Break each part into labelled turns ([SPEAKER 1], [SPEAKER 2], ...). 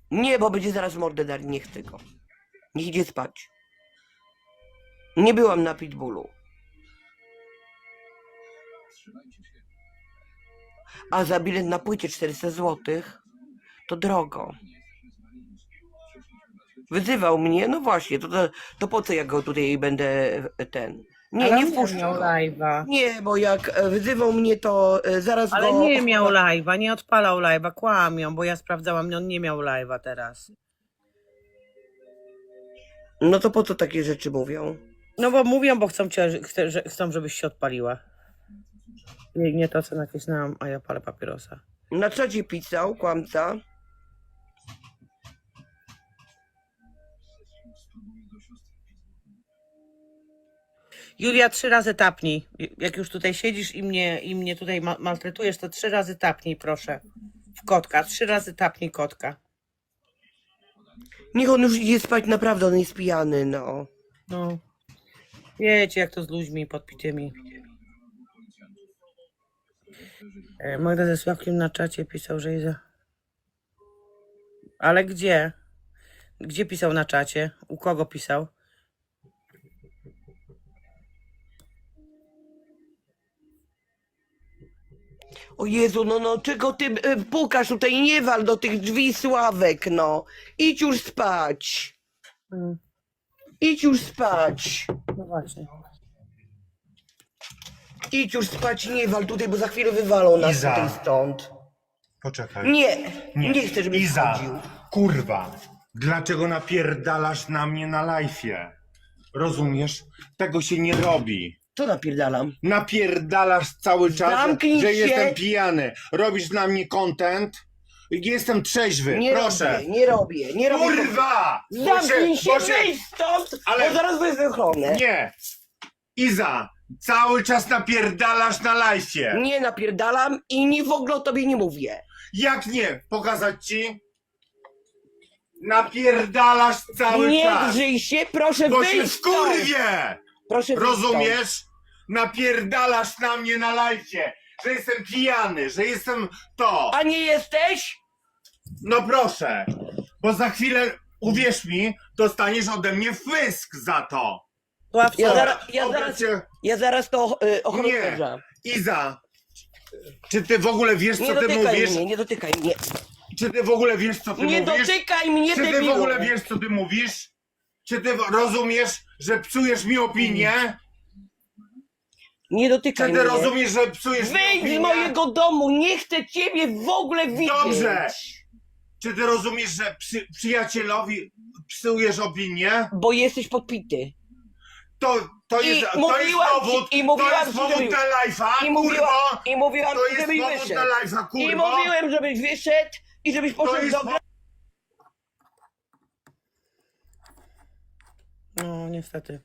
[SPEAKER 1] Nie, bo będzie zaraz mordę dali, nie chcę go. Niech idzie spać. Nie byłam na Pitbullu. A za bilet na płycie 400 zł to drogo. Wyzywał mnie, no właśnie, to po co ja go tutaj będę ten... Nie,
[SPEAKER 2] Ale
[SPEAKER 1] nie
[SPEAKER 2] on
[SPEAKER 1] wpuszczę
[SPEAKER 2] miał
[SPEAKER 1] go.
[SPEAKER 2] live'a.
[SPEAKER 1] Nie, bo jak wyzywał mnie, to zaraz
[SPEAKER 2] Ale
[SPEAKER 1] go...
[SPEAKER 2] nie miał live'a, nie odpalał live'a, kłamią, bo ja sprawdzałam, on nie miał live'a teraz.
[SPEAKER 1] No to po co takie rzeczy mówią?
[SPEAKER 2] No bo mówią, bo chcą, żebyś się odpaliła. Nie to, co nacisnęłam, a ja palę papierosa.
[SPEAKER 1] Na czacie pisał, kłamca.
[SPEAKER 2] Julia, 3 razy tapnij. Jak już tutaj siedzisz i mnie tutaj maltretujesz, to 3 razy tapnij, proszę. W kotka, 3 razy tapnij kotka.
[SPEAKER 1] Niech on już idzie spać, naprawdę on jest pijany, no.
[SPEAKER 2] No. Wiecie, jak to z ludźmi podpitymi. Magda ze Sławkiem na czacie pisał, że jest... Ale gdzie? Gdzie pisał na czacie? U kogo pisał?
[SPEAKER 1] O Jezu, no, czego ty pukasz tutaj, nie wal do tych drzwi, Sławek, no. Idź już spać. Idź już spać.
[SPEAKER 2] No właśnie.
[SPEAKER 1] Idź już spać, nie wal tutaj, bo za chwilę wywalą nas
[SPEAKER 3] Iza.
[SPEAKER 1] tutaj stąd.
[SPEAKER 3] Poczekaj.
[SPEAKER 1] Nie chcę, żebyś
[SPEAKER 3] Iza,
[SPEAKER 1] wchodził.
[SPEAKER 3] kurwa, dlaczego napierdalasz na mnie na live'ie? Rozumiesz? Tego się nie robi.
[SPEAKER 1] Co napierdalam?
[SPEAKER 3] Napierdalasz cały czas,
[SPEAKER 1] Zamknij
[SPEAKER 3] że
[SPEAKER 1] się.
[SPEAKER 3] jestem pijany. Robisz dla mnie content. Jestem trzeźwy,
[SPEAKER 1] Nie
[SPEAKER 3] proszę.
[SPEAKER 1] robię, nie robię.
[SPEAKER 3] Kurwa!
[SPEAKER 1] Zamknij się, wyjdź stąd,
[SPEAKER 3] Ale-
[SPEAKER 1] bo zaraz wezmę ochronę.
[SPEAKER 3] Nie! Iza, cały czas napierdalasz na live'ie.
[SPEAKER 1] Nie napierdalam i w ogóle o tobie nie mówię.
[SPEAKER 3] Jak nie? Pokazać ci? Napierdalasz cały
[SPEAKER 1] Nie
[SPEAKER 3] czas.
[SPEAKER 1] drzyj się, proszę
[SPEAKER 3] Bo się
[SPEAKER 1] wyjść stąd.
[SPEAKER 3] wkurwię!
[SPEAKER 1] Proszę wyjść stąd.
[SPEAKER 3] Rozumiesz? Napierdalasz na mnie na live'ie, że jestem pijany, że jestem to.
[SPEAKER 1] A nie jesteś?
[SPEAKER 3] No proszę, bo za chwilę, uwierz mi, dostaniesz ode mnie fysk za to.
[SPEAKER 2] Sławcio,
[SPEAKER 1] Ja zaraz to ochroniarza.
[SPEAKER 3] Iza, czy ty w ogóle wiesz,
[SPEAKER 1] Nie
[SPEAKER 3] co ty
[SPEAKER 1] dotykaj
[SPEAKER 3] mówisz?
[SPEAKER 1] mnie, nie dotykaj mnie.
[SPEAKER 3] Czy ty w ogóle wiesz, co ty
[SPEAKER 1] Nie
[SPEAKER 3] mówisz?
[SPEAKER 1] dotykaj mnie,
[SPEAKER 3] Czy ty w
[SPEAKER 1] debilu.
[SPEAKER 3] ogóle wiesz, co ty mówisz? Czy ty rozumiesz, że psujesz mi opinię?
[SPEAKER 1] Nie
[SPEAKER 3] Czy
[SPEAKER 1] dotykaj
[SPEAKER 3] ty
[SPEAKER 1] mnie.
[SPEAKER 3] rozumiesz, że psujesz mi
[SPEAKER 1] Wyjdź
[SPEAKER 3] opinię?
[SPEAKER 1] z mojego domu, nie chcę ciebie w ogóle widzieć.
[SPEAKER 3] Dobrze. Czy ty rozumiesz, że przyjacielowi psujesz opinię?
[SPEAKER 1] Bo jesteś podpity.
[SPEAKER 3] To
[SPEAKER 1] I
[SPEAKER 3] jest
[SPEAKER 1] mówiłam
[SPEAKER 3] powód,
[SPEAKER 1] ci- i mówiłam
[SPEAKER 3] to jest
[SPEAKER 1] ci,
[SPEAKER 3] powód
[SPEAKER 1] żeby-
[SPEAKER 3] na live'a,
[SPEAKER 1] I mówiłam,
[SPEAKER 3] kurwo!
[SPEAKER 1] i mówiłam
[SPEAKER 3] To jest
[SPEAKER 1] żebyś
[SPEAKER 3] powód
[SPEAKER 1] wyszedł.
[SPEAKER 3] na live'a,
[SPEAKER 1] I
[SPEAKER 3] kurwo!
[SPEAKER 1] mówiłem, żebyś wyszedł i żebyś
[SPEAKER 3] To
[SPEAKER 1] poszedł
[SPEAKER 3] jest
[SPEAKER 1] do gra...
[SPEAKER 2] no niestety.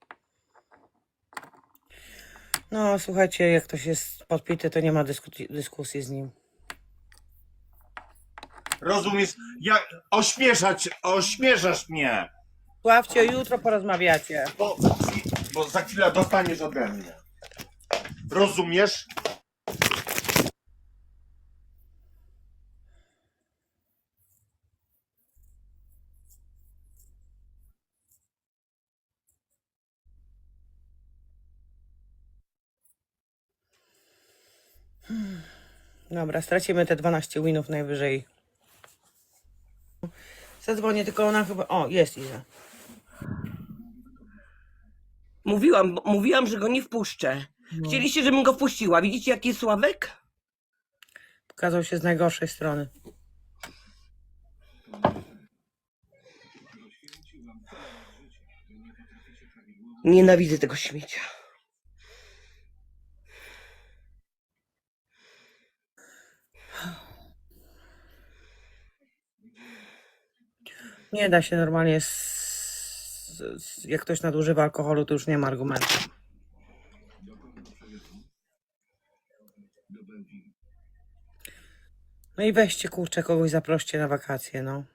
[SPEAKER 2] No słuchajcie, jak ktoś jest podpity, to nie ma dyskusji z nim.
[SPEAKER 3] Rozumiesz? Ośmieszasz mnie,
[SPEAKER 2] Sławcio, jutro porozmawiacie.
[SPEAKER 3] bo za chwilę dostaniesz ode mnie. Rozumiesz?
[SPEAKER 2] Dobra, stracimy te 12 winów najwyżej. Zadzwonię, tylko ona chyba... O, jest Iza.
[SPEAKER 1] Mówiłam, że go nie wpuszczę. Chcieliście, żebym go wpuściła. Widzicie, jaki jest Sławek?
[SPEAKER 2] Pokazał się z najgorszej strony.
[SPEAKER 1] Nienawidzę tego śmiecia.
[SPEAKER 2] Nie da się normalnie... Jak ktoś nadużywa alkoholu, to już nie ma argumentu. No i weźcie, kurczę, kogoś zaproście na wakacje, no.